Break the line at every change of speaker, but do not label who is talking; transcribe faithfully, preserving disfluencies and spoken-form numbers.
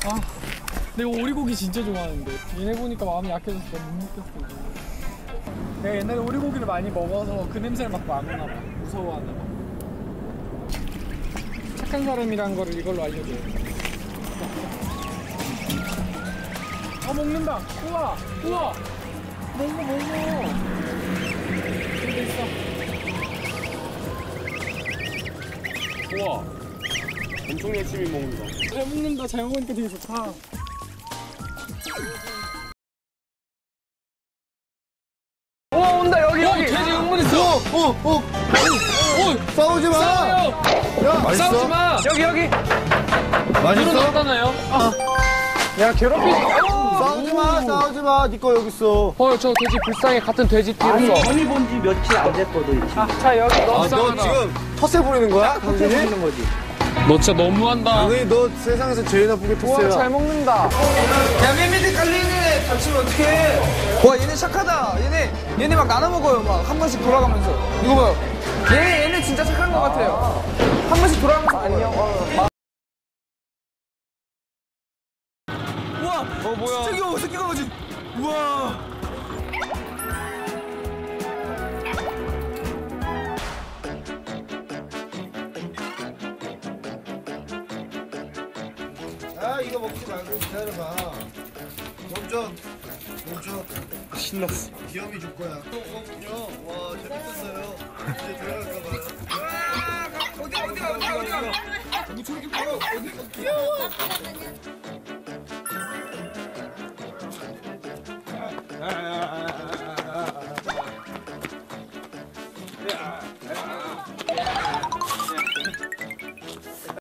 아, 내가 오리고기 진짜 좋아하는데 얘네 보니까 마음이 약해져서 내가 못 먹겠어. 내가 옛날에 오리고기를 많이 먹어서 그 냄새를 맡고 안 오나 봐. 무서워하나 봐. 착한 사람이란 거를 이걸로 알려줘요. 아, 먹는다. 우와, 우와. 먹어, 먹어. 여기 있어.
우와, 엄청 열심히 먹는다.
잘 먹는다. 잘 먹으니까 되게 좋다.
오, 온다. 여기 여기.
돼지 응문했어.
어, 어, 어.
오,
싸우지 마.
싸워요.
야, 맛있어?
싸우지 마.
여기 여기.
맛있어?
없잖아요.
아. 야, 괴롭히지.
싸우지 마, 싸우지 마. 네 거 여기 있어.
어, 저 돼지 불쌍해. 같은 돼지 띠로서.
전이 본 지 며칠 안 됐거든, 이 친구.
아, 자, 여기
아,
너무
너
싸우다.
지금 텃세 부리는 거야?
헛재
당신이?
부리는 거지.
너 진짜 너무한다.
당연히 너 세상에서 제일 나쁘게
우와, 잘
텃세야.
먹는다.
야, 맨밑에 깔려있네. 다치면 어떡해. 와, 얘네 착하다. 얘네, 얘네 막 나눠 먹어요. 막 한 번씩 돌아가면서. 이거 봐요. 얘네, 얘네 진짜 착한 것 같아요. 한 번씩 돌아가면서. 안녕. 어, 우와. 어, 뭐야. 진짜 귀여워. 새끼 강아지. 우와.
아, 이거 먹지 말고 기다려봐. 멈춰. 멈춰.
신났어.
귀염이 줄 거야. 어, 와, 재밌었어요. 이제 들어갈까 봐요.
어디, 어디, 어디, 어디.
뭐 저렇게 귀여워. 어디 귀여워.